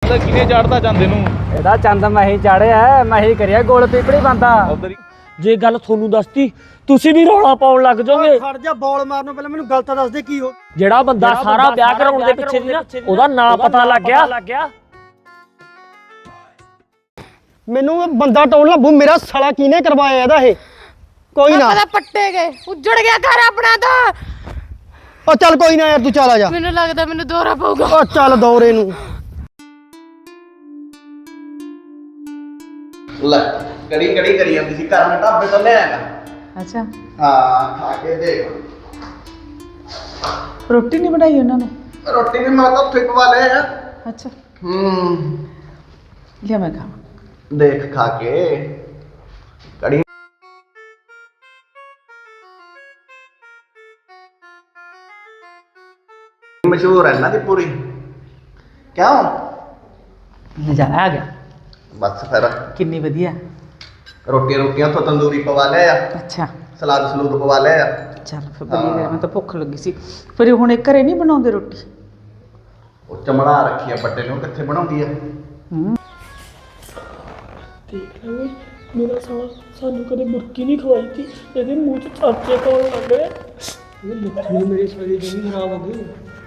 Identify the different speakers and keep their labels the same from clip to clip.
Speaker 1: ਕਿਨੇ ਚੜਦਾ ਜਾਂਦੇ ਨੂੰ
Speaker 2: ਇਹਦਾ ਚੰਦ ਮੈਂ ਹੀ ਚਾੜਿਆ, ਮੈਂ ਹੀ ਕਰਿਆ ਗੋਲ ਪੀਪੜੀ ਬੰਦਾ।
Speaker 3: ਜੇ ਗੱਲ ਤੁਹਾਨੂੰ ਦੱਸਤੀ ਤੁਸੀਂ ਵੀ ਰੌਲਾ ਪਾਉਣ ਲੱਗ ਜਾਓਗੇ।
Speaker 2: ਖੜ ਜਾ, ਬੋਲ ਮਾਰਨੋਂ ਪਹਿਲਾਂ ਮੈਨੂੰ ਗੱਲ ਤਾਂ ਦੱਸ ਦੇ ਕੀ ਹੋ।
Speaker 3: ਜਿਹੜਾ ਬੰਦਾ ਸਾਰਾ ਵਿਆਹ ਕਰਾਉਣ ਦੇ ਪਿੱਛੇ ਦੀ ਨਾ ਉਹਦਾ ਨਾਂ ਪਤਾ ਲੱਗ ਗਿਆ।
Speaker 2: ਮੈਨੂੰ ਬੰਦਾ ਟੋਲ ਲੱਭੂ, ਮੇਰਾ ਸਾਲਾ ਕਿਹਨੇ ਕਰਵਾਇਆ ਇਹਦਾ ਇਹ? ਕੋਈ ਨਾ
Speaker 4: ਪਤਾ ਪੱਟੇ ਗਏ, ਉੱਜੜ ਗਿਆ ਘਰ ਆਪਣਾ ਤਾਂ।
Speaker 2: ਉਹ ਚੱਲ ਕੋਈ ਨਾ ਯਾਰ, ਤੂੰ ਚੱਲ ਆ ਜਾ।
Speaker 4: ਮੈਨੂੰ ਲੱਗਦਾ ਮੈਨੂੰ ਦੌਰਾ ਪਊਗਾ।
Speaker 2: ਉਹ ਚੱਲ ਦੌਰੇ ਨੂੰ।
Speaker 1: ਲੈ ਕੜੀ ਕਰੀ ਜਾਂਦੀ ਸੀ ਘਰ ਮੈਂ ਢਾਬੇ ਤੋਂ ਲੈ ਆਇਆ।
Speaker 4: ਅੱਛਾ,
Speaker 1: ਹਾਂ ਖਾ ਕੇ ਦੇਖ।
Speaker 4: ਰੋਟੀ ਨਹੀਂ ਬਣਾਈ ਉਹਨਾਂ ਨੇ?
Speaker 1: ਰੋਟੀ ਵੀ ਮੈਂ ਤਾਂ ਉੱਥੇ ਪਵਾ ਲਿਆ।
Speaker 4: ਅੱਛਾ,
Speaker 1: ਲਿਆ
Speaker 4: ਮੈਂ ਖਾਵਾਂ।
Speaker 1: ਦੇਖ ਖਾ ਕੇ ਕੜੀ ਮਸ਼ਹੂਰ ਹੈ ਨਾ ਦੀ ਪੂਰੀ। ਕਿਉਂ?
Speaker 4: ਨਜ਼ਾਰਾ ਆ ਗਿਆ।
Speaker 1: ਬਸ ਫਿਰ
Speaker 4: ਕਿੰਨੀ ਵਧੀਆ।
Speaker 1: ਰੋਟੀਆਂ ਉੱਥੋਂ ਤੰਦੂਰੀ ਪਵਾ ਲਿਆ।
Speaker 4: ਅੱਛਾ,
Speaker 1: ਸਲਾਦ ਸਲੂਦ ਪਵਾ ਲਿਆ।
Speaker 4: ਚੱਲ ਫਿਰ ਵਧੀਆ ਗਿਆ। ਮੈਂ ਤਾਂ ਭੁੱਖ ਲੱਗੀ ਸੀ। ਫਿਰ ਹੁਣ ਇਹ ਘਰੇ ਨਹੀਂ ਬਣਾਉਂਦੇ ਰੋਟੀ?
Speaker 1: ਉਹ ਚਮੜਾ ਰੱਖੀ ਆ ਵੱਡੇ ਨੂੰ, ਕਿੱਥੇ ਬਣਾਉਂਦੀ ਆ।
Speaker 3: ਦੇਖ ਲੈ ਮੇਰਾ ਸਾਲਾ ਸਾਨੂੰ ਕਦੇ ਮੁਰਕੀ ਨਹੀਂ ਖਵਾਈ ਸੀ, ਇਹਦੇ ਮੂੰਹ 'ਚ ਚਾਚੇ ਕੋਲ ਲੱਗ ਗਏ। ਇਹ ਲੱਛਣ ਮੇਰੇ ਸਰੀਰ ਦੇ ਵੀ ਖਰਾਬ ਹੋ ਗਏ।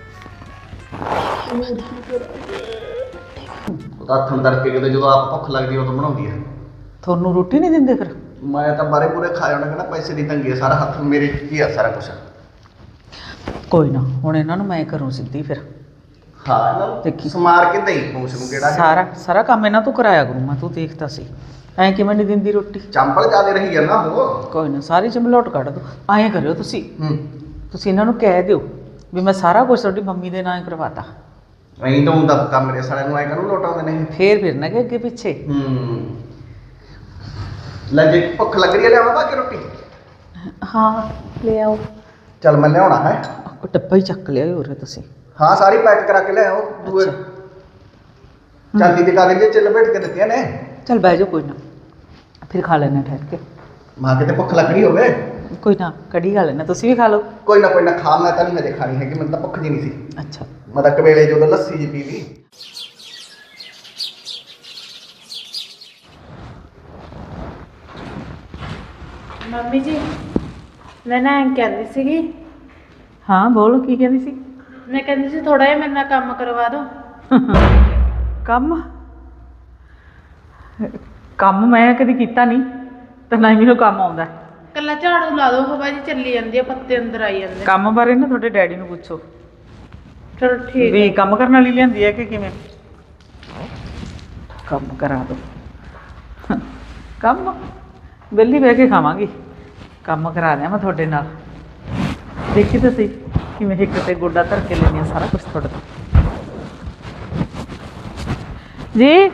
Speaker 1: ਉਹ ਤਾਂ ਹੱਥਾਂ ਤੜਕੇ ਕਿਤੇ ਜਦੋਂ ਆਪ ਭੁੱਖ ਲੱਗਦੀ ਉਦੋਂ ਬਣਾਉਂਦੀ ਆ।
Speaker 4: ਤੁਹਾਨੂੰ ਰੋਟੀ ਨਹੀਂ ਦਿੰਦੇ ਫਿਰ?
Speaker 1: ਮੈਂ ਤਾਂ ਬਾਰੇ ਪੂਰੇ ਖਾ ਜਾਣਾ, ਕਹਿੰਦਾ ਪੈਸੇ ਦੀ ਤੰਗੀ ਆ, ਸਾਰਾ ਹੱਥ ਮੇਰੇ ਕੀ ਆ ਸਾਰਾ ਕੁਛ।
Speaker 4: ਕੋਈ ਨਾ, ਹੁਣ ਇਹਨਾਂ ਨੂੰ ਮੈਂ ਕਰੂੰ ਸਿੱਧੀ ਫਿਰ।
Speaker 1: ਹਾਂ ਇਹਨਾਂ ਨੂੰ
Speaker 4: ਦੇਖੀ
Speaker 1: ਸਮਾਰ ਕੇ ਦਈ ਪੂਛ ਨੂੰ ਕਿਹੜਾ
Speaker 4: ਸਾਰਾ ਕੰਮ ਇਹਨਾਂ ਤੋਂ ਕਰਾਇਆ ਕਰੂੰ ਮੈਂ। ਤੂੰ ਦੇਖਦਾ ਸੀ ਐਂ ਕਿਵੇਂ ਨਹੀਂ ਦਿੰਦੀ ਰੋਟੀ?
Speaker 1: ਚੰਪਲ ਜ਼ਿਆਦੇ ਰਹੀ ਆ ਨਾ ਉਹ।
Speaker 4: ਕੋਈ ਨਾ, ਸਾਰੀ ਚਮਲੋਟ ਕੱਢ ਦੋ। ਐਂ ਕਰਿਓ ਤੁਸੀਂ ਇਹਨਾਂ ਨੂੰ ਕਹਿ ਦਿਓ ਵੀ ਮੈਂ ਸਾਰਾ ਕੁਝ ਤੁਹਾਡੀ ਮੰਮੀ ਦੇ ਨਾਂ ਹੀ ਕਰਵਾਤਾ।
Speaker 1: ਨਹੀਂ ਤਾਂ ਹੁੰਦਾ ਕੰਮ ਮੇਰੇ ਸਾਲਿਆਂ ਨੂੰ ਐ ਕਰੂ ਲੋਟਾਉਂਦੇ ਨੇ।
Speaker 4: ਫੇਰ ਫਿਰਨਾ ਕਿ ਅੱਗੇ ਪਿੱਛੇ।
Speaker 1: ਲੈ ਜੇ ਭੁੱਖ ਲੱਗ ਰਹੀ ਹੈ ਲਿਆਵਾਂ ਬਾਕੀ ਰੋਟੀ?
Speaker 4: ਹਾਂ ਲੈ ਆਓ।
Speaker 1: ਚੱਲ ਮੈਂ ਲਿਆਉਣਾ ਹੈ।
Speaker 4: ਉਹ ਡੱਬਾ ਹੀ ਚੱਕ ਲਿਆ ਹੋਰ ਤੁਸੀਂ।
Speaker 1: ਹਾਂ ਸਾਰੀ ਪੈਕ ਕਰਾ ਕੇ ਲਿਆਓ। ਦੂਏ ਚਾਂਦੀ ਦੇ ਕਾਗਜ਼ ਚ ਲਪੇਟ ਕੇ ਦਿੱਤੀਆਂ ਨੇ।
Speaker 4: ਚੱਲ ਬਹਿ ਜਾਓ, ਕੋਈ ਨਾ ਫਿਰ ਖਾ ਲੈਣਾ ਠਹਿਰ ਕੇ।
Speaker 1: ਮਾਂ ਕਿਤੇ ਭੁੱਖ ਲੱਗ ਰਹੀ ਹੋਵੇ।
Speaker 4: ਕੋਈ ਨਾ, ਕੜੀ ਖਾ ਲੈਣਾ, ਤੁਸੀਂ ਵੀ ਖਾ ਲਓ।
Speaker 1: ਕੋਈ ਨਾ ਖਾ, ਮੈਂ ਤਾਂ ਨਹੀਂ ਹਜੇ ਖਾਣੀ ਹੈਗੀ, ਮੈਨੂੰ ਤਾਂ ਭੁੱਖ ਜੀ ਨਹੀਂ ਸੀ।
Speaker 4: ਅੱਛਾ,
Speaker 1: ਮੈਂ ਤਾਂ ਕਵੇਲੇ ਜਦੋਂ ਲੱਸੀ ਜੀ ਪੀ ਲਈ।
Speaker 5: ਮੰਮੀ ਜੀ ਮੈਂ ਨਾ ਕਹਿੰਦੀ ਸੀਗੀ।
Speaker 4: ਹਾਂ ਬੋਲ, ਕੀ ਕਹਿੰਦੀ ਸੀ?
Speaker 5: ਮੈਂ ਕਹਿੰਦੀ ਸੀ ਥੋੜਾ ਜਿਹਾ ਮੇਰੇ ਨਾਲ ਕੰਮ ਕਰਵਾ ਦਿਓ।
Speaker 4: ਕੰਮ ਮੈਂ ਕਦੀ ਕੀਤਾ ਨਹੀਂ ਤੇ ਨਾ ਹੀ ਮੈਨੂੰ ਕੰਮ ਆਉਂਦਾ।
Speaker 5: ਕੱਲਾ ਝਾੜੂ ਲਾ ਦਿਓ, ਹਵਾ ਜੀ ਚੱਲੀ ਜਾਂਦੀ ਆ, ਪੱਤੇ ਅੰਦਰ ਆਈ ਜਾਂਦੇ।
Speaker 4: ਕੰਮ ਬਾਰੇ ਨਾ ਤੁਹਾਡੇ ਡੈਡੀ ਨੂੰ ਪੁੱਛੋ
Speaker 5: ਚਲੋ ਠੀਕ
Speaker 4: ਵੀ ਕੰਮ ਕਰਨ ਵਾਲੀ ਲਿਆਂਦੀ ਹੈ ਕਿ ਕਿਵੇਂ। ਕੰਮ ਕਰਾ ਦਿਓ। ਕੰਮ ਵਿਹਲੀ ਬਹਿ ਕੇ ਖਾਵਾਂਗੀ, ਕੰਮ ਕਰਾ ਦਿਆਂ ਮੈਂ ਤੁਹਾਡੇ ਨਾਲ। ਦੇਖੀ ਤਾਂ ਸਹੀ ਕਿਵੇਂ ਇੱਕ ਤੇ ਗੋਡਾ ਧਰ ਕੇ ਲੈਂਦੀ ਹਾਂ ਸਾਰਾ ਕੁਛ ਤੁਹਾਡੇ ਤੋਂ। ਜੀ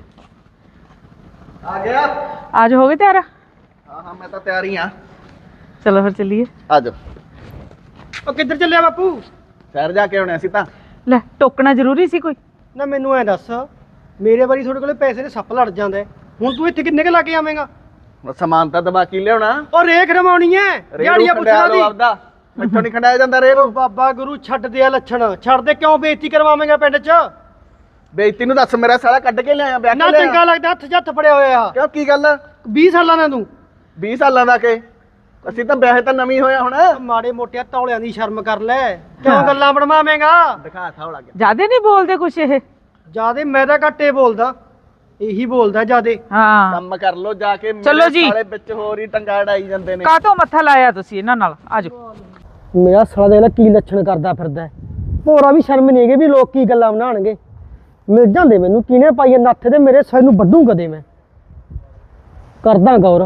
Speaker 1: ਆ ਗਿਆ।
Speaker 4: आज हो गए तैयार?
Speaker 1: ਹਾਂ ਮੈਂ ਤਾਂ ਤਿਆਰ ਹੀ ਆ।
Speaker 4: चलो फिर चलिए।
Speaker 1: ਆ ਜਾਓ।
Speaker 2: ਉਹ ਕਿੱਧਰ ਚੱਲਿਆ ਬਾਪੂ?
Speaker 1: ਸ਼ਹਿਰ ਜਾ ਕੇ ਆਉਣੇ ਸੀ ਤਾਂ।
Speaker 4: ਲੈ ਟੋਕਣਾ ਜ਼ਰੂਰੀ ਸੀ ਕੋਈ?
Speaker 2: ਨਾ ਮੈਨੂੰ ਐ ਦੱਸ, ਮੇਰੇ ਵਾਰੀ ਤੁਹਾਡੇ ਕੋਲੇ ਪੈਸੇ ਦੇ ਸੱਪ ਲੜ ਜਾਂਦਾ ਹੈ, ਹੁਣ ਤੂੰ ਇੱਥੇ ਕਿੰਨੇ ਕ ਲਾ ਕੇ ਆਵੇਂਗਾ?
Speaker 1: ਸਮਾਨ ਤਾਂ ਦਬਾ ਕੀ ਲਿਆਉਣਾ।
Speaker 2: ਉਹ ਰੇਖ ਰਮਾਉਣੀ ਐ, ਦਿਹਾੜੀਆਂ ਪੁੱਛਣਾ ਦੀ।
Speaker 1: ਮੈਥੋਂ ਨਹੀਂ ਖੰਡਾਇਆ ਜਾਂਦਾ ਰੇ ਨੂੰ।
Speaker 2: ਬਾਬਾ ਗੁਰੂ ਛੱਡ ਦੇ ਆ ਲੱਛਣ, ਛੱਡ ਦੇ, ਕਿਉਂ ਬੇਇੱਜ਼ਤੀ ਕਰਵਾਵੇਂਗਾ ਪਿੰਡ 'ਚ?
Speaker 1: ਬੇਇੱਜ਼ਤੀ ਨੂੰ ਦੱਸ, ਮੇਰਾ ਸਾਲਾ ਕੱਢ ਕੇ ਲਿਆਇਆ ਵਿਆਹ
Speaker 2: ਨਾ ਚੰਗਾ ਲੱਗਦਾ ਹੱਥ 'ਚ ਹੱਥ ਫੜਿਆ ਹੋਇਆ ਆ।
Speaker 1: ਕਿਉਂ ਕੀ ਗੱਲ?
Speaker 2: 20 ਸਾਲਾਂ ਦਾ ਤੂੰ।
Speaker 1: 20 ਸਾਲਾਂ ਦਾ ਕੇ ਅਸੀਂ ਤਾਂ ਵਿਆਹ ਤਾਂ ਨਵੀਂ ਹੋਇਆ ਹੁਣ।
Speaker 2: ਮਾੜੇ ਮੋਟਿਆਂ ਤੌਲਿਆਂ ਦੀ ਸ਼ਰਮ ਕਰ ਲੈ, ਕਿਉਂ ਗੱਲਾਂ ਬਣਵਾਵੇਂਗਾ?
Speaker 1: ਦਿਖਾ ਥਾ ਲੱਗ ਗਿਆ।
Speaker 4: ਜਿਆਦੇ ਨਹੀਂ ਬੋਲਦੇ ਕੁਛ ਇਹ?
Speaker 2: ਜਿਆਦੇ ਮੈਂ ਤਾਂ ਘੱਟੇ ਬੋਲਦਾ, ਇਹੀ ਬੋਲਦਾ ਜਿਆਦੇ।
Speaker 4: ਹਾਂ
Speaker 1: ਕੰਮ ਕਰ ਲੋ ਜਾ ਕੇ।
Speaker 4: ਚਲੋ ਜੀ।
Speaker 1: ਸਾਲੇ ਵਿੱਚ ਹੋਰ ਹੀ ਟੰਗਾ ਅੜਾਈ ਜਾਂਦੇ ਨੇ।
Speaker 4: ਕਾਹਤੋਂ ਮੱਥਾ ਲਾਇਆ ਤੁਸੀਂ ਇਹਨਾਂ ਨਾਲ? ਆਜੋ।
Speaker 2: ਮੇਰਾ ਸਾਲਾ ਦੇਖ ਲੈ ਕੀ ਲੱਛਣ ਕਰਦਾ ਫਿਰਦਾ। ਹੋਰਾਂ ਵੀ ਸ਼ਰਮ ਨਹੀਂ ਹੈਗੀ ਵੀ ਲੋਕ ਕੀ ਗੱਲਾਂ ਬਣਾਉਣਗੇ। ਮਿਲ ਜਾਂਦੇ ਮੈਨੂੰ ਕਿਹਨੇ ਪਾਈ ਨੱਥ ਦੇ, ਮੇਰੇ ਸਿਰ ਨੂੰ ਵੱਢੂ ਕਦੇ ਮੈਂ। ਕਰਦਾ ਗੌਰ।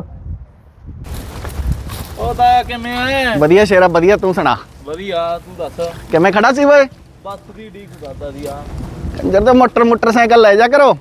Speaker 1: ਉਹ ਤਾਂ ਕਿਵੇਂ? ਵਧੀਆ ਸ਼ੇਰਾ ਵਧੀਆ, ਤੂੰ ਸੁਣਾ।
Speaker 3: ਵਧੀਆ, ਤੂੰ ਦੱਸ।
Speaker 1: ਕਿਵੇਂ ਖੜਾ ਸੀ ਓਏ?
Speaker 3: ਬੱਸ ਦੀ ਡੀਕ ਕਰਦਾ ਸੀ ਆ।
Speaker 1: ਕੰਜਰ ਤੇ ਮੋਟਰਸਾਈਕਲ ਲੈ ਜਾ ਕਰੋ।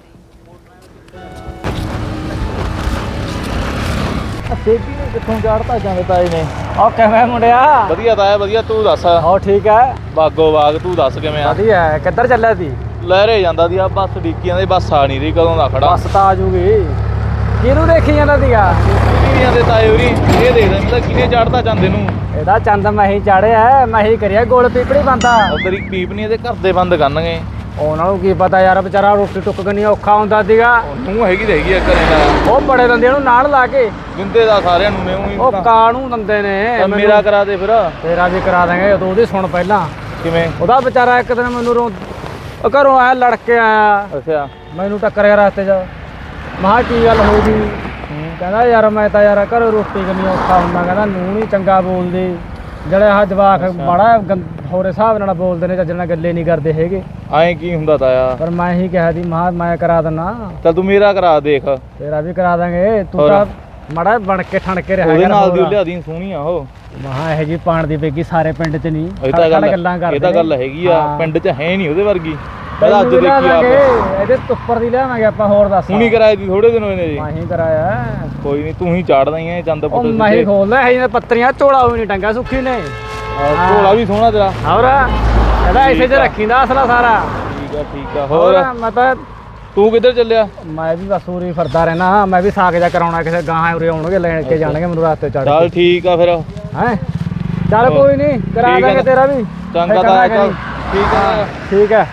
Speaker 3: ਸੇਤੀ ਨੇ ਕਿੱਥੋਂ ਚੜਤਾ ਜਾਂਦੇ ਤਾਏ ਨੇ।
Speaker 2: ਉਹ ਕਿਵੇਂ ਮੁੰਡਿਆ?
Speaker 3: ਵਧੀਆ ਤਾਇਆ ਵਧੀਆ, ਤੂੰ ਦੱਸ।
Speaker 2: ਹੋ ਠੀਕ ਹੈ?
Speaker 3: ਬਾਗੋ ਬਾਗ, ਤੂੰ ਦੱਸ ਕਿਵੇਂ ਆ?
Speaker 2: ਵਧੀਆ। ਕਿੱਧਰ ਚੱਲਿਆ ਸੀ?
Speaker 3: ਲਹਿਰੇ ਜਾਂਦਾ ਦੀ ਆ, ਬੱਸ ਡੀਕੀਆਂ ਦੇ, ਬੱਸ ਆ ਨਹੀਂ ਰਹੀ, ਕਦੋਂ ਦਾ ਖੜਾ।
Speaker 2: ਬੱਸ ਤਾਂ ਆ ਜੂਗੀ। ਕਿਹਨੂੰ ਦੇਖੀ ਜਾਂਦਾ ਸੀਗਾ?
Speaker 3: ਡੀਕੀਆਂ ਦੇ ਤਾਏ ਉਰੀ ਇਹ ਦੇਖਦਾ ਮੈਂ ਤਾਂ ਕਿਨੇ ਚੜਦਾ ਜਾਂਦੇ ਨੂੰ।
Speaker 2: ਇਹਦਾ ਚੰਦ ਮੈਂ ਹੀ ਚਾੜਿਆ, ਮੈਂ ਹੀ ਕਰਿਆ ਗੋਲ ਪੀਪੜੀ ਬੰਦਾ।
Speaker 3: ਉਧਰ ਹੀ ਪੀਪ ਨਹੀਂ, ਇਹਦੇ ਘਰ ਦੇ ਬੰਦ ਕਰਨਗੇ।
Speaker 2: ਉਹਨਾਂ ਨੂੰ ਕੀ ਪਤਾ ਯਾਰ, ਵਿਚਾਰਾ ਰੋਟੀ ਟੁੱਕ ਕਰਨੀ ਔਖਾ ਹੁੰਦਾ ਸੀਗਾ।
Speaker 6: ਤੂੰ ਹੈਗੀ ਤੇ ਹੈਗੀ ਆ ਘਰੇ ਦਾ।
Speaker 2: ਉਹ ਬੜੇ ਦੰਦੇ ਨੂੰ ਨਾਲ ਲਾ ਕੇ
Speaker 6: ਦਿੰਦੇ ਦਾ ਸਾਰਿਆਂ ਨੂੰ ਨੇ
Speaker 2: ਉਹ ਕਾਹਨੂੰ ਦੰਦੇ ਨੇ।
Speaker 6: ਮੇਰਾ ਕਰਾ ਦੇ ਫਿਰ।
Speaker 2: ਤੇਰਾ ਵੀ ਕਰਾ ਦਾਂਗੇ, ਉਦੋਂ ਉਹਦੀ ਸੁਣ ਪਹਿਲਾਂ।
Speaker 6: ਕਿਵੇਂ?
Speaker 2: ਉਹਦਾ ਵਿਚਾਰਾ ਇੱਕ ਦਿਨ ਮੈਨੂੰ ਉਹ ਘਰੋਂ ਆਇਆ, ਲੜ ਕੇ ਆਇਆ,
Speaker 6: ਅੱਛਾ।
Speaker 2: ਮੈਨੂੰ ਟੱਕਰਿਆ ਰਸਤੇ 'ਚ। ਮੈਂ ਕਿਹਾ ਕੀ ਗੱਲ ਹੋ ਗਈ? ਕਹਿੰਦਾ ਯਾਰ ਮੈਂ ਤਾਂ ਯਾਰ ਘਰੋਂ ਰੋਟੀ ਕਰਨੀ ਔਖਾ ਹੁੰਦਾ, ਕਹਿੰਦਾ ਨੂੰਹ ਨਹੀਂ ਚੰਗਾ ਬੋਲਦੀ, ਜਿਹੜੇ ਆਹ ਜਵਾਕ ਬੜਾ ਹੋਰ ਹਿਸਾਬ ਨਾਲ ਬੋਲਦੇ ਨੇ, ਚੱਜ ਨਾਲ ਗੱਲੇ ਨਹੀਂ ਕਰਦੇ ਹੈਗੇ।
Speaker 6: ਐਂ ਕੀ ਹੁੰਦਾ ਤਾਇਆ?
Speaker 2: ਪਰ ਮੈਂ ਹੀ ਕਿਹਾ ਸੀ ਮੈਂ ਕਰਾ ਦਿੰਦਾ।
Speaker 6: ਚੱਲ ਤੂੰ ਮੇਰਾ ਕਰਾ ਦੇਖ।
Speaker 2: ਤੇਰਾ ਵੀ ਕਰਾ ਦਾਂਗੇ, ਤੂੰ ਤਾਂ ਮਾੜਾ ਬਣ ਕੇ ਠਣ ਕੇ ਰਿਹਾ
Speaker 6: ਉਹਦੇ
Speaker 2: ਕਰ।
Speaker 6: ਨਾਲ ਦੀ ਲਿਆਦੀ ਸੋਹਣੀ ਆ ਉਹ।
Speaker 2: ਮਹਾ ਇਹ ਜੀ ਪਾਣ ਦੀ ਪੇਗੀ ਸਾਰੇ ਪਿੰਡ 'ਚ ਨਹੀਂ।
Speaker 6: ਇਹ ਤਾਂ ਗੱਲ
Speaker 2: ਗੱਲਾਂ ਕਰਦੇ
Speaker 6: ਇਹ ਤਾਂ ਗੱਲ ਹੈਗੀ ਆ, ਪਿੰਡ 'ਚ ਹੈ ਨਹੀਂ ਉਹਦੇ ਵਰਗੀ। ਪਹਿਲਾਂ ਅੱਜ
Speaker 2: ਤੈਨੂੰ
Speaker 6: ਦੇਖੀ
Speaker 2: ਲਿਆ
Speaker 6: ਆਪ।
Speaker 2: ਦਾਂਗੇ, ਇਹਦੇ ਉੱਪਰ ਦੀ ਲਿਆਵਾਂਗੇ ਆਪਾਂ। ਹੋਰ ਦੱਸ।
Speaker 6: ਹੁਣੀ ਕਰਾਏ ਦੀ ਥੋੜੇ ਦਿਨ ਹੋਏ ਨੇ ਜੀ।
Speaker 2: ਮੈਂ ਹੀ ਕਰਾਇਆ।
Speaker 6: ਕੋਈ ਨਹੀਂ, ਤੂੰ ਹੀ ਚਾੜਦਾ ਹੀ ਐ ਚੰਦ
Speaker 2: ਉਹ
Speaker 6: ਪੁੱਤ
Speaker 2: ਮੈਂ ਹੀ ਖੋਲਦਾ ਇਹ ਜਿਹੇ ਪੱਤਰੀਆਂ, ਝੋਲਾ ਵੀ ਨਹੀਂ ਟੰਗਾ ਸੁੱਖੀ ਨੇ।
Speaker 6: ਝੋਲਾ ਵੀ ਸੋਹਣਾ ਤੇਰਾ।
Speaker 2: ਹੋਰ ਇਹਦਾ ਇਸੇ 'ਚ ਰੱਖੀਂਦਾ ਅਸਲਾ ਸਾਰਾ।
Speaker 6: ਠੀਕ ਆ। ਹੋਰ
Speaker 2: ਮੈਂ ਤਾਂ
Speaker 6: ਤੂੰ ਕਿੱਧਰ ਚੱਲਿਆ?
Speaker 2: ਮੈਂ ਵੀ ਬਸ ਉਰੇ ਫਿਰਦਾ ਰਹਿਣਾ। ਮੈਂ ਵੀ ਸਾਗ ਜਾ ਕਰਾਉਣਾ, ਕਿਸੇ ਗਾਹਾਂ ਉਰੇ ਆਉਣਗੇ ਲੈਣ ਕੇ ਜਾਣਗੇ ਮੈਨੂੰ ਰਸਤੇ ਚੜ੍ਹ।
Speaker 6: ਚੱਲ ਠੀਕ ਆ ਫਿਰ।
Speaker 2: ਹੈ ਚੱਲ ਕੋਈ ਨਹੀਂ, ਕਰਾ ਦਾਂਗੇ ਤੇਰਾ ਵੀ।
Speaker 6: ਚੰਗਾ ਤਾਂ ਚੱਲ ਠੀਕ ਆ।
Speaker 2: ਠੀਕ ਹੈ।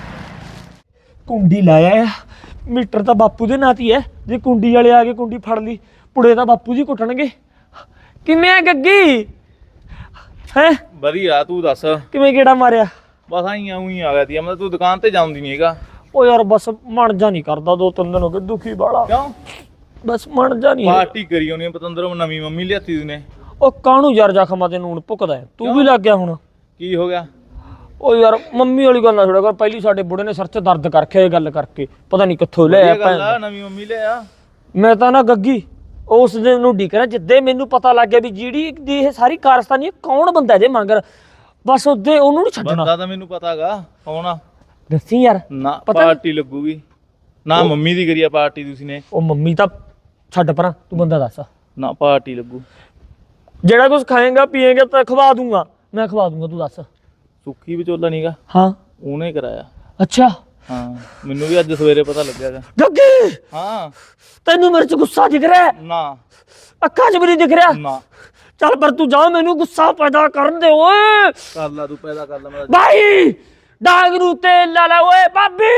Speaker 3: ਕੁੰਡੀ ਲਾਇਆ ਆ, ਮੀਟਰ ਤਾਂ ਬਾਪੂ ਦੇ ਨਾਂ 'ਤੇ ਹੀ ਹੈ। ਜੇ ਕੁੰਡੀ ਵਾਲੇ ਆ ਕੇ ਕੁੰਡੀ ਫੜ ਲਈ, ਪੁੜੇ ਤਾਂ ਬਾਪੂ ਜੀ ਕੁੱਟਣਗੇ। ਕਿਵੇਂ ਆ ਗੱਗੀ? ਹੈ
Speaker 6: ਵਧੀਆ, ਤੂੰ ਦੱਸ।
Speaker 3: ਕਿਵੇਂ ਗੇੜਾ ਮਾਰਿਆ?
Speaker 6: ਬਸ ਆਈ ਆ ਗਿਆ ਤੀ। ਮੈਂ ਤੂੰ ਦੁਕਾਨ ਤੇ ਜਾਂਦੀ ਨਹੀਂ ਹੈਗਾ।
Speaker 3: ਉਹ ਯਾਰ ਬਸ ਮਨ ਜਾ ਨਹੀਂ ਕਰਦਾ, 2-3 ਦਿਨ ਹੋ ਗਏ ਦੁਖੀ ਬਾਲਾ।
Speaker 6: ਕਿਉਂ?
Speaker 3: ਬਸ ਮਨ ਜਾ ਨਹੀਂ।
Speaker 6: ਪਾਰਟੀ ਕਰੀ ਉਹਨੇ ਪਤੰਦਰੋਂ, ਨਵੀਂ ਮੰਮੀ ਲਿਆਤੀ ਤੂੰ।
Speaker 3: ਉਹ ਕਾਹਨੂੰ ਯਾਰ ਜ਼ਖਮਾਂ ਤੇ ਨੂਣ ਭੁੱਕਦਾ ਹੈ? ਤੂੰ ਵੀ ਲੱਗ ਗਿਆ ਹੁਣ।
Speaker 6: ਕੀ ਹੋ ਗਿਆ?
Speaker 3: ਉਹ ਯਾਰ ਮੰਮੀ ਵਾਲੀ ਗੱਲ ਨਾ ਛੋੜਿਆ ਕਰ। ਪਹਿਲੀ ਸਾਡੇ ਬੁੜੇ ਨੇ ਸਿਰ 'ਚ ਦਰਦ ਕਰਕੇ ਇਹ ਗੱਲ ਕਰਕੇ ਪਤਾ ਨਹੀਂ ਕਿੱਥੋਂ ਲੈ ਆਇਆ ਭੈਣ।
Speaker 6: ਨਵੀਂ ਮੰਮੀ ਲਿਆ।
Speaker 3: ਮੈਂ ਤਾਂ ਨਾ ਗੱਗੀ ਉਸ ਦਿਨ ਨੂੰ ਢੀਕ ਰਿਹਾ, ਜਿੱਦੇ ਮੈਨੂੰ ਪਤਾ ਲੱਗ ਗਿਆ ਵੀ ਜਿਹੜੀ ਦੀ ਇਹ ਸਾਰੀ ਕਾਰਸਤਾਨੀ ਹੈ, ਕੌਣ ਬੰਦਾ ਇਹਦੇ ਮਗਰ, ਬਸ ਉਹਦੇ ਉਹਨੂੰ ਨਹੀਂ ਛੱਡਣਾ।
Speaker 6: ਬੰਦਾ ਤਾਂ ਮੈਨੂੰ ਪਤਾਗਾ ਕੌਣ ਆ।
Speaker 3: ਦੱਸੀ ਯਾਰ।
Speaker 6: ਨਾ ਪਾਰਟੀ ਲੱਗੂਗੀ ਨਾ, ਮੰਮੀ ਦੀ ਕਰੀ ਆ ਪਾਰਟੀ ਤੁਸੀਂ ਨੇ।
Speaker 3: ਉਹ ਮੰਮੀ ਤਾਂ ਛੱਡ ਪਰਾਂ, ਤੂੰ ਬੰਦਾ ਦੱਸ।
Speaker 6: ਨਾ ਪਾਰਟੀ ਲੱਗੂ।
Speaker 3: ਜਿਹੜਾ ਕੁਝ ਖਾਏਗਾ ਪੀਏਗਾ ਤਾਂ ਖਵਾ ਦੂੰਗਾ, ਮੈਂ ਖਵਾ ਦੂੰਗਾ, ਤੂੰ ਦੱਸ।
Speaker 6: ਸੁੱਖੀ ਵਿਚੋਲਾ ਨੀਗਾ,
Speaker 3: ਹਾਂ
Speaker 6: ਉਹਨੇ ਕਰਾਇਆ।
Speaker 3: ਅੱਛਾ।
Speaker 6: ਹਾਂ, ਮੈਨੂੰ ਵੀ ਅੱਜ ਸਵੇਰੇ ਪਤਾ ਲੱਗਿਆਗਾ।
Speaker 3: ਗੱਗੀ
Speaker 6: ਹਾਂ,
Speaker 3: ਤੈਨੂੰ ਮੇਰੇ 'ਚ ਗੁੱਸਾ ਦਿਖ ਰਿਹਾ?
Speaker 6: ਨਾ
Speaker 3: ਅੱਖਾਂ 'ਚ ਵੀ ਨਹੀਂ ਦਿਖ ਰਿਹਾ।
Speaker 6: ਨਾ
Speaker 3: ਚੱਲ ਪਰ ਤੂੰ ਜਾ, ਮੈਨੂੰ ਗੁੱਸਾ ਪੈਦਾ ਕਰਨ ਦੇ ਓਏ।
Speaker 6: ਕਰ ਲਾ ਤੂੰ, ਪੈਦਾ ਕਰ ਲਾ ਮੇਰਾ।
Speaker 3: ਭਾਈ ਡਾਂਗ ਨੂੰ ਤੇਲ ਲਾ ਲੈ ਓਏ। ਭਾਬੀ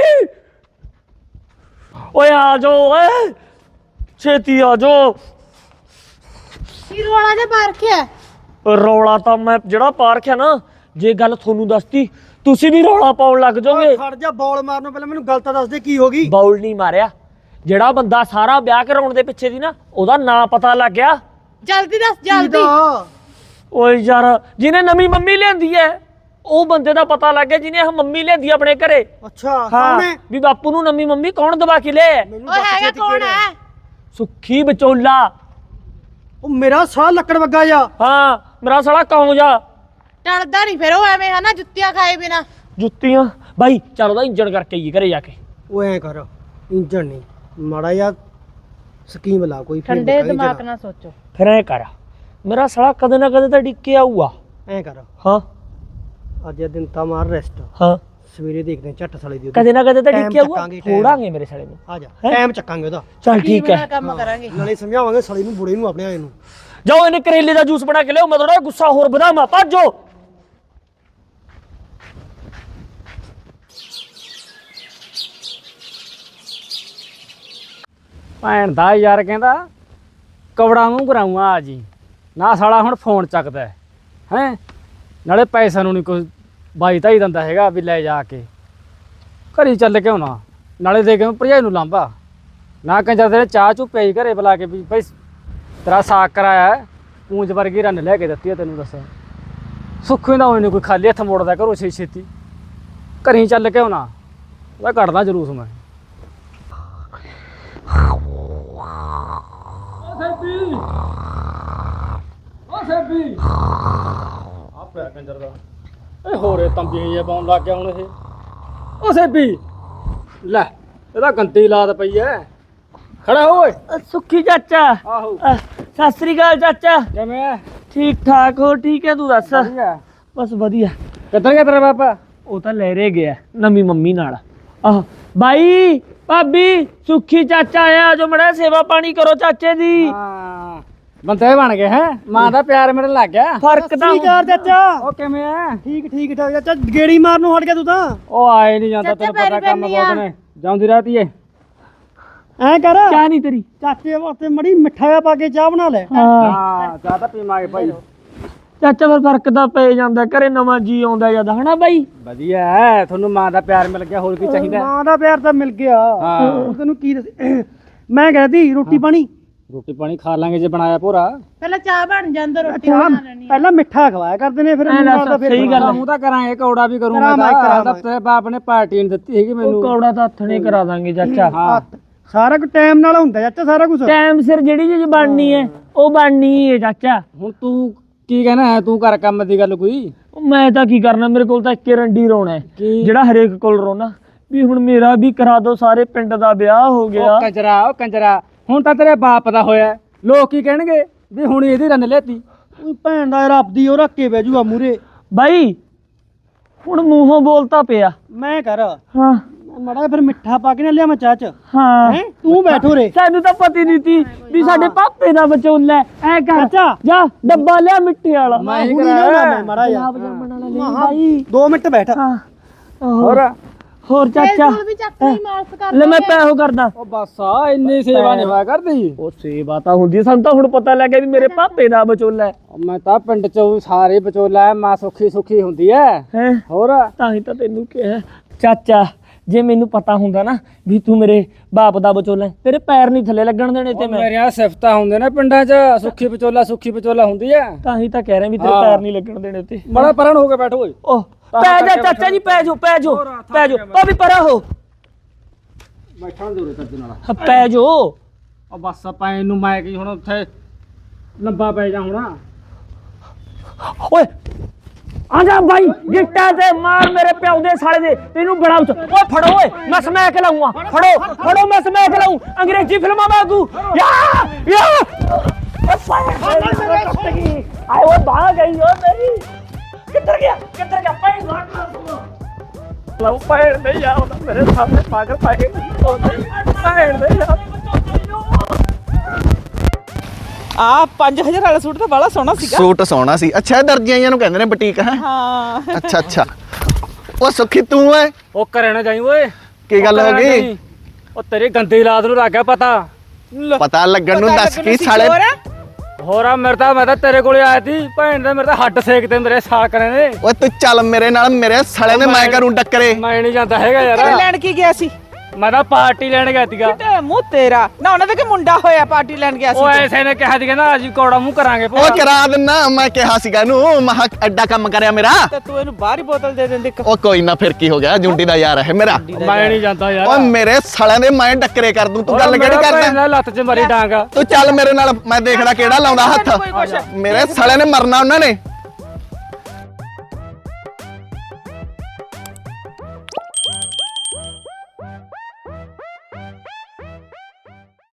Speaker 3: ਓਏ ਆ ਜਾਓ ਓਏ, ਛੇਤੀ ਆ ਜਾਓ।
Speaker 5: ਕੀ ਰੋਲਾ ਜਿਹਾ ਪਾ ਰੱਖਿਆ?
Speaker 3: ਰੌਲਾ ਤਾਂ ਮੈਂ ਜਿਹੜਾ ਪਾ ਰੱਖਿਆ ਨਾ, ਜੇ ਗੱਲ ਤੁਹਾਨੂੰ ਦੱਸਤੀ ਤੁਸੀਂ ਵੀ ਰੌਲਾ ਪਾਉਣ ਲੱਗ ਜਾਓਗੇ।
Speaker 2: ਖੜ ਜਾ, ਬੌਲ ਮਾਰਨੋਂ ਪਹਿਲਾਂ ਮੈਨੂੰ ਗੱਲ ਤਾਂ ਦੱਸ ਦੇ ਕੀ ਹੋ ਗਈ।
Speaker 3: ਬਾਉਲ ਨਹੀਂ ਮਾਰਿਆ, ਜਿਹੜਾ ਬੰਦਾ ਸਾਰਾ ਵਿਆਹ ਕਰਾਉਣ ਦੇ ਪਿੱਛੇ ਦੀ ਨਾ, ਉਹਦਾ ਨਾਂ ਪਤਾ ਲੱਗ ਗਿਆ।
Speaker 5: ਜਲਦੀ ਦੱਸ, ਜਲਦੀ।
Speaker 3: ਓਏ ਯਾਰ, ਜਿਹਨੇ ਨਵੀਂ ਮੰਮੀ ਲਿਆਂਦੀ ਐ, ਉਹ ਬੰਦੇ ਦਾ ਪਤਾ ਲੱਗ ਗਿਆ ਜਿਹਨੇ ਇਹ ਮੰਮੀ ਲਿਆਂਦੀ ਆਪਣੇ ਘਰੇ।
Speaker 2: ਅੱਛਾ,
Speaker 3: ਹਾਂ, ਵੀ ਬਾਪੂ ਨੂੰ ਨਵੀਂ ਮੰਮੀ ਕੌਣ ਦਵਾ ਕੇ ਲਿਆ?
Speaker 5: ਓਏ ਹੈਗਾ ਕੌਣ ਹੈ?
Speaker 3: ਸੁੱਖੀ ਵਿਚੋਲਾ।
Speaker 2: ਉਹ ਮੇਰਾ ਸਾਹ ਲੱਕੜ ਵੱਗਾ ਜਾ।
Speaker 3: ਹਾਂ, ਮੇਰਾ ਸਾਲਾ ਕੌਂ ਜਾ।
Speaker 5: ਟਲਦਾ ਨਹੀਂ ਫਿਰ ਉਹ ਐਵੇਂ, ਹਨਾ ਜੁੱਤੀਆਂ ਖਾਏ ਬਿਨਾ।
Speaker 3: ਜੁੱਤੀਆਂ ਬਾਈ, ਚੱਲ ਉਹਦਾ ਇੰਜਣ ਕਰਕੇ ਆਈਏ ਘਰੇ ਜਾ ਕੇ।
Speaker 2: ਉਹ ਐ ਕਰ, ਇੰਜਣ ਨਹੀਂ, ਮਾੜਾ ਜਿਹਾ ਸਕੀਮ ਲਾ ਕੋਈ।
Speaker 5: ਠੰਡੇ ਦਿਮਾਗ ਨਾਲ ਸੋਚੋ।
Speaker 3: ਫਿਰ ਐ ਕਰ, ਮੇਰਾ ਸਾਲਾ ਕਦੇ ਨਾ ਕਦੇ ਤਾਂ ਡਿੱਕੇ ਆਊਗਾ।
Speaker 2: ਐ ਕਰ,
Speaker 3: ਹਾਂ
Speaker 2: ਅੱਜ ਇਹ ਦਿਨ ਤਾਂ ਮਾਰ ਰੈਸਟ,
Speaker 3: ਹਾਂ,
Speaker 2: ਸਵੇਰੇ ਦੇਖਦੇ ਹਾਂ ਝੱਟ ਸਾਲੇ ਦੀ।
Speaker 3: ਕਦੇ ਨਾ ਕਦੇ ਤਾਂ
Speaker 2: Time
Speaker 3: ਡਿੱਕੇ ਆਊਗਾ,
Speaker 2: ਚੱਕਾਂਗੇ, time।
Speaker 3: ਥੋੜਾਂਗੇ ਮੇਰੇ ਸਾਲੇ ਨੂੰ।
Speaker 2: ਆ ਜਾ, ਟਾਈਮ ਚੱਕਾਂਗੇ ਉਹਦਾ।
Speaker 3: ਚੱਲ ਠੀਕ ਹੈ।
Speaker 5: ਕੰਮ ਕਰਾਂਗੇ।
Speaker 2: ਨਾਲੇ ਸਮਝਾਵਾਂਗੇ ਸਾਲੇ ਨੂੰ, ਬੁੜੇ ਨੂੰ, ਆਪਣੇ ਆਏ ਨੂੰ।
Speaker 3: ਜਾਓ ਇਹਨੇ ਕਰੇਲੇ ਦਾ ਜੂਸ ਬਣਾ ਕੇ ਲਿਆਓ, ਮੈਂ ਥੋੜਾ ਗੁੱਸਾ ਹੋਰ ਵਧਾਵਾਂ। ਭੱਜੋ।
Speaker 2: ਭੈਣ ਦਾ ਯਾਰ ਕਹਿੰਦਾ ਕਵੜਾ ਮੂੰਹ ਕਰਾਊਂਗਾ ਆ ਜੀ ਨਾ, ਸਾਲਾ ਹੁਣ ਫੋਨ ਚੱਕਦਾ ਹੈ। ਨਾਲੇ ਪੈਸਾ ਨੂੰ ਨਹੀਂ ਕੋਈ ਬਾਈ ਤਾਈ ਦਿੰਦਾ ਹੈਗਾ ਵੀ ਲੈ ਜਾ ਕੇ ਘਰੀ ਚੱਲ ਕੇ ਆਉਣਾ, ਨਾਲੇ ਦੇ ਕੇ ਭਰਜਾਈ ਨੂੰ ਲਾਂਭਾ ਨਾ। ਕੰਜਰ ਦੇ ਚਾਹ ਚੂ ਪਿਆਈ ਘਰੇ ਬੁਲਾ ਕੇ ਵੀ ਭਾਈ ਤੇਰਾ ਸਾਗ ਕਰਾਇਆ, ਪੂੰਜ ਵਰਗੀ ਰੰਨ ਲੈ ਕੇ ਦਿੱਤੀ ਆ ਤੈਨੂੰ। ਦੱਸਾਂ ਸੁੱਖੀ ਦਾ ਹੋਈ ਕੋਈ ਖਾਲੀ ਹੱਥ ਮੋੜਦਾ ਘਰੋਂ ਛੇਤੀ ਘਰੀ ਚੱਲ ਕੇ ਆਉਣਾ, ਉਹਦਾ ਕੱਢਦਾ ਜਲੂਸ ਮੈਂ। ਆ ਪਿਆ ਕੰਜਰ ਦਾ ਇਹ ਹੋਰੇ ਤੰਬੀਆਂ ਜਿਹਾ ਪਾਉਣ ਲੱਗ ਗਿਆ ਹੁਣ ਇਹ। ਉਹ ਸੇਬੀ ਲੈ, ਇਹਦਾ ਗੰਦੀ ਲਾਤ ਪਈ ਐ। ਖੜਾ ਹੋ ਓਏ।
Speaker 3: ਸੁੱਖੀ ਚਾਚਾ।
Speaker 2: ਆਹੋ,
Speaker 3: ਸਤਿ ਸ੍ਰੀ ਅਕਾਲ ਚਾਚਾ।
Speaker 2: ਕਿਵੇਂ ਐ?
Speaker 3: ਠੀਕ ਠਾਕ ਹੋ? ਠੀਕ ਹੈ, ਤੂੰ ਦੱਸ।
Speaker 2: ਵਧੀਆ।
Speaker 3: ਬਸ ਵਧੀਆ।
Speaker 2: ਕਿੱਧਰ ਗਿਆ ਤੇਰਾ ਬਾਪਾ?
Speaker 3: ਉਹ ਤਾਂ ਲਹਿਰੇ ਗਿਆ ਨਵੀਂ ਮੰਮੀ ਨਾਲ। ਆਹ ਬਾਈ, ਭਾਬੀ, ਸੁੱਖੀ ਚਾਚਾ ਆਇਆ, ਜੋ ਮੜਾ ਸੇਵਾ ਪਾਣੀ ਕਰੋ ਚਾਚੇ ਦੀ।
Speaker 2: ਹਾਂ,
Speaker 7: ਬੰਦੇ ਬਣ ਗਏ ਹੈ ਮਾਂ ਦਾ ਪਿਆਰ ਮੇਰੇ ਲੱਗ ਗਿਆ
Speaker 3: ਫਰਕ ਤਾਂ
Speaker 2: ਯਾਰ ਚਾਚਾ
Speaker 7: ਉਹ ਕਿਵੇਂ ਆ
Speaker 2: ਠੀਕ ਠੀਕ ਠਾਕ ਚਾਚਾ ਗੇੜੀ ਮਾਰਨ ਨੂੰ ਹਟ ਗਿਆ ਤੂੰ ਤਾਂ
Speaker 7: ਉਹ ਆਏ ਨਹੀਂ ਜਾਂਦਾ ਤੈਨੂੰ ਪਤਾ ਕੰਮ ਬਹੁਤ ਨੇ ਜਾਂਦੀ ਰਹਤੀ ਏ
Speaker 2: ਐਂ ਕਰ
Speaker 3: ਚਾਹ ਨਹੀਂ ਤੇਰੀ
Speaker 2: ਚਾਚੇ ਵਾਸਤੇ ਮੜੀ ਮਿੱਠਾ ਪਾ ਕੇ ਚਾਹ ਬਣਾ ਲੈ
Speaker 7: ਹਾਂ ਚਾਹ ਤਾਂ ਪੀਵਾਂਗੇ ਭਾਈ
Speaker 3: ਚਾਚਾ ਫਿਰ ਫਰਕ ਤਾਂ ਪੈ ਜਾਂਦਾ ਘਰੇ ਨਵਾਂ ਜੀ ਆਉਂਦਾ ਜਦ ਹਨਾ ਬਾਈ
Speaker 7: ਵਧੀਆ ਹੈ ਤੁਹਾਨੂੰ ਮਾਂ ਦਾ ਪਿਆਰ ਮਿਲ ਗਿਆ ਹੋਰ ਕੀ ਚਾਹੀਦਾ
Speaker 2: ਮਾਂ ਦਾ ਪਿਆਰ ਤਾਂ ਮਿਲ ਗਿਆ
Speaker 7: ਹਾਂ।
Speaker 2: ਹੁਣ ਤੈਨੂੰ ਕੀ ਦੱਸ ਮੈਂ ਕਹਿੰਦੀ ਰੋਟੀ ਪਾਣੀ
Speaker 7: ਰੋਟੀ ਪਾਣੀ ਖਾ ਲਾਂਗੇ ਜੇ ਬਣਾਇਆ ਪੂਰਾ
Speaker 5: ਪਹਿਲਾਂ ਚਾਹ ਬਣ ਜਾਂਦਾ ਰੋਟੀ
Speaker 2: ਚਾਹ
Speaker 5: ਬਣਾ ਲੈਣੀ
Speaker 2: ਪਹਿਲਾਂ ਮਿੱਠਾ ਖਵਾਇਆ ਕਰਦੇ ਨੇ ਫਿਰ ਨਾਲ ਦਾ ਫਿਰ
Speaker 3: ਸਹੀ ਗੱਲ ਆ।
Speaker 7: ਮੂੰਹ ਤਾਂ ਕਰਾਂਗੇ ਕੌੜਾ ਵੀ ਕਰੂੰਗਾ
Speaker 2: ਕਰਾਵਾਂਗੇ।
Speaker 7: ਤਾਂ ਤੇਰੇ ਬਾਪ ਨੇ ਪਾਰਟੀ ਨਹੀਂ ਦਿੱਤੀ ਹੈਗੀ
Speaker 3: ਉਹ
Speaker 7: ਮੈਨੂੰ
Speaker 3: ਕੌੜਾ ਤਾਂ ਹੱਥ ਨਹੀਂ ਕਰਾ ਦਾਂਗੇ ਚਾਚਾ
Speaker 7: ਹਾਂ
Speaker 2: ਸਾਰਾ ਕੁਝ ਟਾਈਮ ਨਾਲ ਹੁੰਦਾ ਚਾਚਾ ਸਾਰਾ ਕੁਝ
Speaker 3: ਟਾਈਮ ਸਿਰ ਜਿਹੜੀ ਚੀਜ਼ ਬਣਨੀ ਹੈ ਉਹ ਬਣਨੀ ਹੈ ਚਾਚਾ
Speaker 7: ਹੁਣ ਤੂੰ ਕੀ ਕਹਿਣਾ ਹੈ ਤੂੰ ਕਰ ਕੰਮ ਦੀ ਗੱਲ ਕੋਈ
Speaker 3: ਉਹ ਮੈਂ ਤਾਂ ਕੀ ਕਰਨਾ ਮੇਰੇ ਕੋਲ ਤਾਂ ਇੱਕੇ ਰੰਡੀ ਰੋਣਾ ਹੈ
Speaker 7: ਕੀ?
Speaker 3: ਜਿਹੜਾ ਹਰੇਕ ਕੋਲ ਰੋਣਾ ਵੀ ਹੁਣ ਮੇਰਾ ਵੀ ਕਰਾ ਦੋ ਸਾਰੇ ਪਿੰਡ ਦਾ ਵਿਆਹ ਹੋ ਗਿਆ
Speaker 7: ਉਹ ਕੰਜਰਾ ਹੁਣ ਤਾਂ ਤੇਰੇ ਬਾਪ ਦਾ ਹੋਇਆ ਲੋਕ ਕੀ ਕਹਿਣਗੇ ਵੀ ਹੁਣ ਇਹਦੀ ਰੰਨ ਲੈਤੀ
Speaker 2: ਉਹ ਭੈਣ ਦਾ ਰੱਬ ਦੀ ਉਹ ਰੱਖ ਕੇ ਬਹਿ ਜੂਗਾ ਮੂਰੇ
Speaker 3: ਬਾਈ ਹੁਣ ਮੂੰਹੋਂ ਬੋਲਤਾ ਪਿਆ
Speaker 2: ਮੈਂ ਕਰ
Speaker 3: ਹਾਂ
Speaker 2: ਮੜਾ ਫਿਰ ਮਿੱਠਾ ਪਾ ਕੇ ਨਾ ਲਿਆ ਮੈਂ ਚਾਹ ਚ
Speaker 3: ਹਾਂ
Speaker 2: ਹੈ ਤੂੰ ਬੈਠੋ ਰੇ
Speaker 3: ਸਾਨੂੰ ਤਾਂ ਪਤਾ ਹੀ ਨਹੀਂ ਸੀ ਵੀ ਸਾਡੇ ਪਾਪੇ ਦਾ ਵਿਚੋਲਾ ਐ ਕਰ
Speaker 2: ਚਾਚਾ
Speaker 3: ਜਾ ਡੱਬਾ ਲਿਆ ਮਿੱਠੇ ਵਾਲਾ
Speaker 7: ਮੈਂ ਹੀ
Speaker 2: ਹੁਣੀ
Speaker 7: ਕਰਾਇਆ
Speaker 2: ਲਿਆਉਣਾ ਮੈਂ ਮੜਾ ਜਾ
Speaker 3: ਬਾਈ
Speaker 2: 2 ਮਿੰਟ ਬੈਠ
Speaker 3: ਹਾਂ
Speaker 7: ਹੋਰ
Speaker 3: ਹੋਰ ਚਾਚਾ
Speaker 5: ਵੀ ਚੱਕ ਲਈ ਮਾਫ ਕਰ
Speaker 3: ਲੈ ਮੈਂ ਪੈਸੋ ਕਰਦਾ
Speaker 7: ਉਹ ਬਸ ਆ ਇੰਨੀ ਸੇਵਾ ਨਹੀਂ ਹੋਇਆ ਕਰਦੀ
Speaker 3: ਉਹ ਸੇਵਾ ਤਾਂ ਹੁੰਦੀ ਹੈ, ਸਾਨੂੰ ਤਾਂ ਹੁਣ ਪਤਾ ਲੱਗ ਗਿਆ ਵੀ ਮੇਰੇ ਪਾਪੇ ਦਾ ਵਿਚੋਲਾ ਹੈ
Speaker 7: ਮੈਂ ਤਾਂ ਪਿੰਡ ਚ ਸਾਰੇ ਵਿਚੋਲਾ ਹੈ, ਮਾਂ ਸੁੱਖੀ ਸੁੱਖੀ ਹੁੰਦੀ ਹੈ
Speaker 3: ਹੈਂ?
Speaker 7: ਹੋਰ
Speaker 3: ਤਾਂ ਹੀ ਤਾਂ ਤੈਨੂੰ ਕਿਹਾ ਚਾਚਾ ਜੇ ਮੈਨੂੰ ਪਤਾ ਹੁੰਦਾ ਨਾ ਵੀ ਤੂੰ ਮੇਰੇ ਬਾਪ ਦਾ ਵਿਚੋਲਾ ਹੈ, ਤੇਰੇ ਪੈਰ ਨਹੀਂ ਥੱਲੇ ਲੱਗਣ ਦੇਣੇ ਤੇ ਮੈਂ
Speaker 7: ਮੇਰੀਆਂ ਸਿਫਤਾਂ ਹੁੰਦੇ ਨੇ ਪਿੰਡਾਂ ਚ ਸੁੱਖੀ ਵਿਚੋਲਾ ਹੁੰਦੀ ਹੈ
Speaker 3: ਤਾਂ ਹੀ ਤਾਂ ਕਹਿ ਰਿਹਾ ਵੀ ਤੇਰੇ ਪੈਰ ਨਹੀਂ ਲੱਗਣ ਦੇਣੇ ਤੇ
Speaker 7: ਬੜਾ ਪਰਨ ਹੋ ਕੇ ਬੈਠੋ ਓਏ
Speaker 3: ਉਹ ਪੈ ਜਾ ਚਾਚਾ ਜੀ ਪੈ ਜਾ ਉਹ ਵੀ ਪਰਾ ਹੋ
Speaker 7: ਬੈਠਾ ਜ਼ਰੂਰ ਤੱਜ ਨਾਲ
Speaker 3: ਪੈ ਜੋ
Speaker 7: ਉਹ ਬਸ ਪੈਣ ਨੂੰ ਮੈਂ ਕੀ ਹੁਣ ਉੱਥੇ ਲੰਬਾ ਪੈ ਜਾ ਹੁਣ
Speaker 3: ਓਏ ਆ ਜਾ ਬਾਈ ਗਿੱਟਾ ਤੇ ਮਾਰ ਮੇਰੇ ਪਿਓ ਦੇ ਸਾਲੇ ਦੇ ਤੈਨੂੰ ਬੜਾ ਓਏ ਫੜੋ ਓਏ ਮੈਂ ਸਮੈਕ ਲਾਉਂਗਾ ਫੜੋ ਮੈਂ ਸਮੈਕ ਲਾਉਂ ਅੰਗਰੇਜ਼ੀ ਫਿਲਮਾਂ ਵਾਂਗੂ ਯਾ ਓ ਫਾਇਰ ਆਏ ਉਹ ਭਾਗ ਗਈ ਓ ਮੇਰੀ ਕਿੱਧਰ ਗਿਆ ਪਾਈ ਲਾਉ ਪਾਇਰ ਨਹੀਂ ਆਉਂਦਾ ਮੇਰੇ ਸਾਹਮਣੇ ਪਾਗਲ ਪਾਏ ਪਾਇਰ ਨਹੀਂ
Speaker 4: ਆ 5000 ਵਾਲਾ ਸੂਟ ਤਾਂ ਬੜਾ ਸੋਹਣਾ ਸੀਗਾ
Speaker 1: ਸੂਟ ਸੋਹਣਾ ਸੀ ਅੱਛਾ ਇਹ ਦਰਜੀਆਂ ਨੂੰ ਕਹਿੰਦੇ ਨੇ ਬੁਟੀਕ ਹੈ
Speaker 4: ਹਾਂ
Speaker 1: ਅੱਛਾ ਉਹ ਸੁੱਖੀ ਤੂੰ ਐ
Speaker 7: ਉਹ ਕਰੇ ਨਾ ਜਾਈ ਓਏ
Speaker 1: ਕੀ ਗੱਲ
Speaker 7: ਉਹ
Speaker 1: ਹੋ
Speaker 7: ਕਰੇ ਨਾ
Speaker 1: ਗਈ
Speaker 7: ਜਾਈਂ। ਉਹ ਤੇਰੀ ਗੰਦੀ ਲਾਤ ਨੂੰ ਲੱਗ ਗਿਆ ਪਤਾ
Speaker 1: ਪਤਾ ਲੱਗਣ ਨੂੰ ਦੱਸ ਕੀ ਸਾਲੇ
Speaker 7: ਹੋਰ ਆ ਮੈਂ ਤਾਂ ਤੇਰੇ ਕੋਲੇ ਆਇਆ ਸੀ ਭੈਣ ਦੇ ਮੇਰੇ ਤਾਂ ਹੱਡ ਸੇਕ ਤੇ ਮੇਰੇ ਸਾਲ ਕਰੇ ਨੇ
Speaker 1: ਓਏ ਤੂੰ ਚੱਲ ਮੇਰੇ ਨਾਲ ਮੇਰੇ ਸਾਲੇ ਨੇ ਮੈਂ ਕਰੂੰ ਟੱਕਰੇ
Speaker 7: ਮੈਂ ਨਹੀਂ ਜਾਂਦਾ ਹੈਗਾ ਯਾਰ
Speaker 4: ਲੈਣ ਕੀ ਗਿਆ ਸੀ
Speaker 7: ਮੈਂ ਤਾਂ ਪਾਰਟੀ ਲੈਣ ਗਿਆ ਸੀਗਾ
Speaker 4: ਤੇ ਮੂੰਹ ਤੇਰਾ ਨਾ ਉਹਨਾਂ ਦੇ ਕਿ ਮੁੰਡਾ ਹੋਇਆ ਪਾਰਟੀ ਲੈਣ ਗਿਆ
Speaker 7: ਉਹ
Speaker 4: ਸੀ
Speaker 7: ਐਸੇ ਨੇ ਕਿਹਾ ਸੀ ਕਹਿੰਦਾ ਅਸੀਂ ਕੌੜਾ ਮੂੰਹ ਕਰਾਂਗੇ
Speaker 1: ਉਹ ਕਰਾ ਦਿੰਨਾ ਮੈਂ ਕਿਹਾ ਸੀਗਾ ਇਹਨੂੰ ਮਹਾ ਐਡਾ ਕੰਮ ਕਰਿਆ ਮੇਰਾ
Speaker 4: ਤੇ ਤੂੰ ਇਹਨੂੰ ਬਾਹਰ ਹੀ ਬੋਤਲ ਦੇ ਦਿੰਦੀ
Speaker 1: ਉਹ ਕੋਈ ਨਾ ਫਿਰ ਕੀ ਹੋ ਗਿਆ ਜੁੰਡੀ ਦਾ ਯਾਰ ਹੈ ਮੇਰਾ
Speaker 7: ਮੈਂ ਨਹੀਂ ਜਾਂਦਾ ਯਾਰ
Speaker 1: ਓਏ ਮੇਰੇ ਸਾਲਿਆਂ ਦੇ ਮੈਂ ਟੱਕਰੇ ਕਰ ਦੂੰ ਤੂੰ ਗੱਲ ਕਿਹੜੀ ਕਰਦਾ
Speaker 7: ਲੱਤ 'ਚ ਮਰੀ ਡਾਂਗਾ
Speaker 1: ਤੂੰ ਚੱਲ ਮੇਰੇ ਨਾਲ ਮੈਂ ਦੇਖਦਾ ਕਿਹੜਾ ਲਾਉਂਦਾ ਹੱਥ ਮੇਰੇ ਸਾਲਿਆਂ ਨੇ ਮਰਨਾ ਉਹਨਾਂ ਨੇ